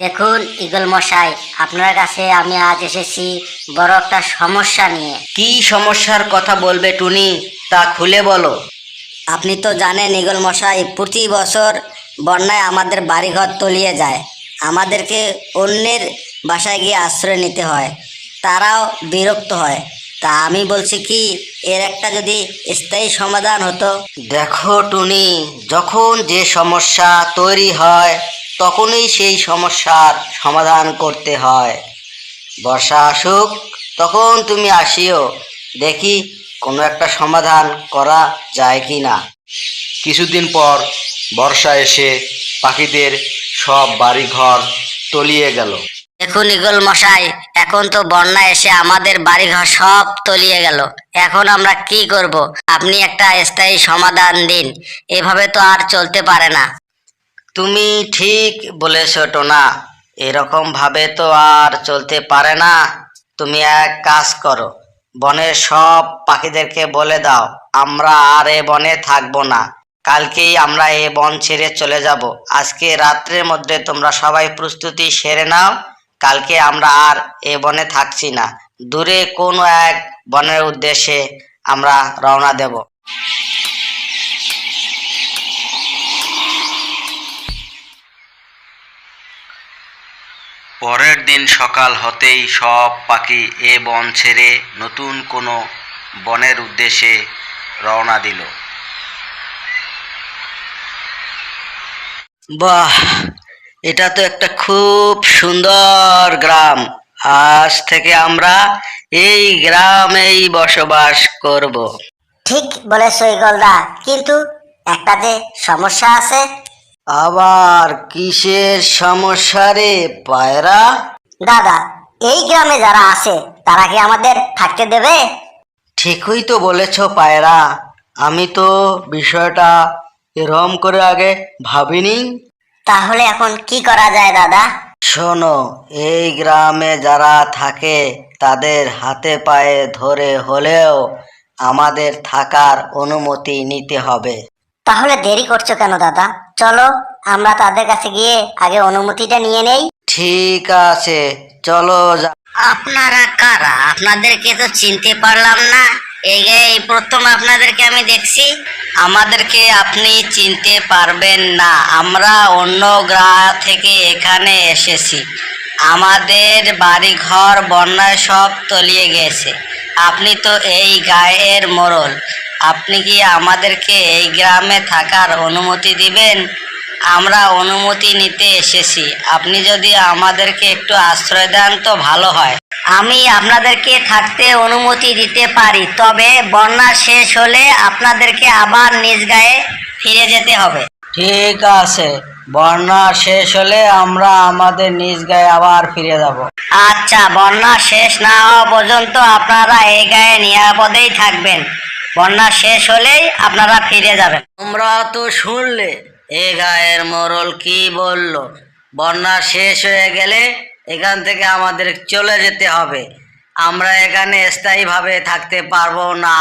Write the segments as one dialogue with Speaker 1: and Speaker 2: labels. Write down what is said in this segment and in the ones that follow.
Speaker 1: দেখুন ঈগল মশাই, আপনার কাছে আমি আজ এসেছি বড় একটা সমস্যা নিয়ে।
Speaker 2: কি সমস্যার কথা বলবে টুনি, তা খুলে বলো।
Speaker 1: আপনি তো জানেন ঈগল মশাই, প্রতি বছর বন্যায় আমাদের বাড়িঘর তলিয়ে যায়। আমাদেরকে অন্যের বাসায় গিয়ে আশ্রয় নিতে হয়, তারাও বিরক্ত হয়। তা আমি বলছি কি, এর একটা যদি স্থায়ী সমাধান হতো।
Speaker 2: দেখো টুনি, যখন যে সমস্যা তৈরি হয় তখনই সেই সমস্যার সমাধান করতে হয়। বর্ষা আসুক, তখন তুমি আসিও, দেখি কোনো একটা সমাধান করা যায় কি না।
Speaker 3: কিছুদিন পর বর্ষা এসে পাখিদের সব বাড়িঘর তলিয়ে গেল।
Speaker 1: দেখুন ঈগল মশাই, এখন তো বন্যা এসে আমাদের বাড়িঘর সব তলিয়ে গেল। এখন আমরা কি করব? আপনি একটা স্থায়ী সমাধান দিন, এভাবে তো আর চলতে পারে না।
Speaker 2: তুমি ঠিক বলেছ টোনা, এরকম ভাবে তো আর চলতে পারে না। তুমি এক কাজ করো, বনের সব পাখিদেরকে বলে দাও আমরা আর এ বনে থাকবো না। কালকেই আমরা এ বন ছেড়ে চলে যাব। আজকে রাত্রের মধ্যে তোমরা সবাই প্রস্তুতি সেরে নাও, কালকে আমরা আর এ বনে থাকছি না। দূরে কোনো এক বনের উদ্দেশ্যে আমরা রওনা দেব।
Speaker 3: পরের দিন সকাল হতেই সব পাখি এ বন ছেড়ে নতুন কোনো বনের উদ্দেশ্যে রওনা দিল।
Speaker 2: বাহ, এটা তো একটা খুব সুন্দর গ্রাম। আজ থেকে আমরা এই গ্রামেই বসবাস করব।
Speaker 1: ঠিক বলেছো ঈগলদা, কিন্তু একটা যে সমস্যা আছে।
Speaker 2: আবার কিসের সমস্যা রে পায়রা?
Speaker 1: দাদা, এই গ্রামে যারা আছে তারা কি আমাদের থাকতে দেবে?
Speaker 2: ঠিকই তো বলেছ পায়রা, আমি তো বিষয়টা এরম করে আগে ভাবিনি।
Speaker 1: তাহলে এখন কি করা যায় দাদা?
Speaker 2: শোনো, এই গ্রামে যারা থাকে তাদের হাতে পায়ে ধরে হলেও আমাদের থাকার অনুমতি নিতে হবে।
Speaker 1: তাহলে দেরি করছো কেন দাদা? চলো আমরা তাদের কাছে গিয়ে আগে অনুমতিটা নিয়ে নেই।
Speaker 2: ঠিক আছে, চলো আপনারা কারা? আপনাদেরকে তো চিনতে পারলাম না। এই প্রথম আপনাদেরকে আমি দেখছি। আমাদেরকে আপনি চিনতে পারবেন না, আমরা অন্য গ্রাম থেকে এখানে এসেছি। আমাদের বাড়ি ঘর বন্যায় সব তলিয়ে গেছে। আপনি তো এই গায়ের মোড়ল, আপনি কি আমাদেরকে এই গ্রামে থাকার অনুমতি দিবেন? আমরা অনুমতি নিতে এসেছি, আপনি যদি আমাদেরকে একটু আশ্রয় দেন তো ভালো হয়। আমি আপনাদেরকে থাকতে অনুমতি দিতে পারি, তবে বন্যা শেষ হলে আপনাদেরকে আবার নিজ গায়ে ফিরে যেতে হবে। ঠিক আছে, বন্যা শেষ হলে আমরা আমাদের নিজ গায়ে আবার ফিরে যাব। আচ্ছা, বন্যা শেষ না হওয়া পর্যন্ত আপনারা এই গায়ে নিরাপদেই থাকবেন। বন্যা শেষ হলেই আপনারা ফিরে যাবেন। তোমরা তো শুনলে এ গায়ের মোড়ল কি বলল, বন্যা শেষ হয়ে গেলে এখান থেকে আমাদের চলে যেতে হবে। আমরা এখানে স্থায়ীভাবে থাকতে পারবো না।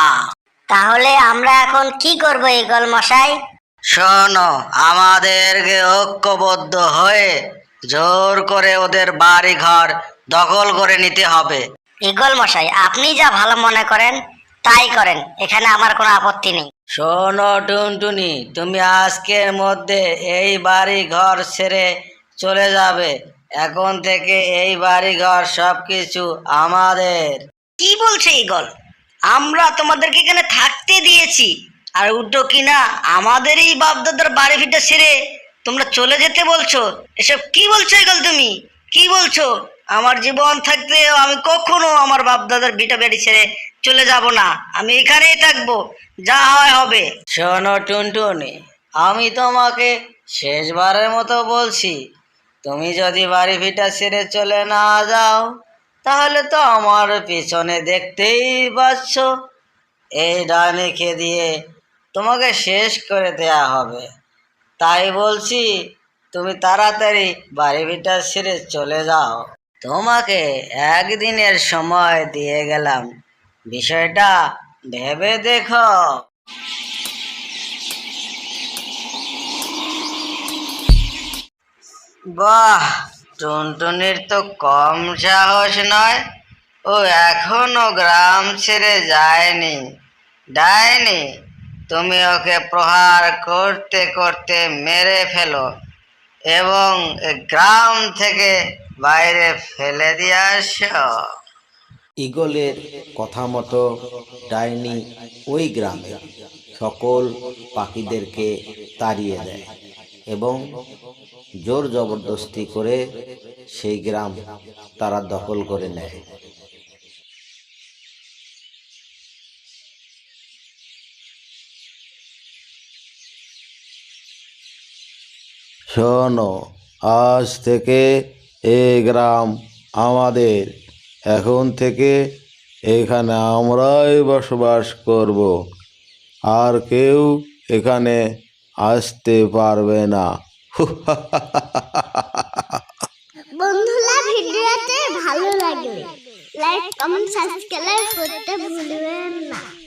Speaker 1: তাহলে আমরা এখন কি করব ঈগল মশাই?
Speaker 2: শোনো, আমাদেরকে ঐক্যবদ্ধ হয়ে জোর করে ওদের বাড়ি ঘর দখল করে নিতে হবে।
Speaker 1: ঈগল মশাই, আপনি যা ভালো মনে করেন তাই করেন, এখানে আমার কোনো আপত্তি নেই।
Speaker 2: শোনো টুনটুনি, তুমি আজকের মধ্যে এই বাড়ি ঘর ছেড়ে চলে যাবে। এখন থেকে এই বাড়ি ঘর সবকিছু আমাদের। কি বলছে ঈগল? আমরা তোমাদেরকে এখানে থাকতে দিয়েছি, আর উল্টো কিনা আমাদের এই বাপদাদার বাড়ি ভিটা ছেড়ে তোমরা চলে যেতে বলছো? এসব কি বলছো ঈগল? তুমি কি বলছো? আমার জীবন থাকতে আমি কখনো আমার বাপদাদার ভিটা বাড়ি ছেড়ে চলে যাব না, আমি এখানেই থাকবো, যা হয় হবে। শোনো টুনটুনি, আমি তোমাকে শেষবারের মতো বলছি, তুমি যদি বাড়ি ভিটা ছেড়ে চলে না যাও তাহলে তো আমার পিছনে দেখতেই পাচ্ছ এই ডাইনিকে দিয়ে তোমাকে শেষ করে দেয়া হবে। তাই বলছি, তুমি তাড়াতাড়ি বাড়ি ভিটা ছেড়ে চলে যাও। তোমাকে একদিনের সময় দিয়ে গেলাম, বিষয়টা ভেবে দেখো। বাহ, টুনটুনির তো কম সাহস নয়, ও এখনো গ্রাম ছেড়ে যায়নি। ডাইনি, তুমি ওকে প্রহার করতে করতে মেরে ফেলো এবং এ গ্রাম থেকে বাইরে ফেলে দিয়ে আসো।
Speaker 4: ঈগলের কথা মতো ডাইনি ওই গ্রামে সকল পাখিদেরকে তাড়িয়ে দেয় এবং জোর জবরদস্তি করে সেই গ্রাম তারা দখল করে নেয়। শোনো, আজ থেকে এই গ্রাম আমাদের। এখন থেকে এখানে আমরাই বসবাস করব, আর কেউ এখানে আসতে পারবে না।
Speaker 5: বন্ধুরা, ভিডিওতে ভালো লাগলে লাইক কমেন্ট সাবস্ক্রাইব করতে ভুলবেন না।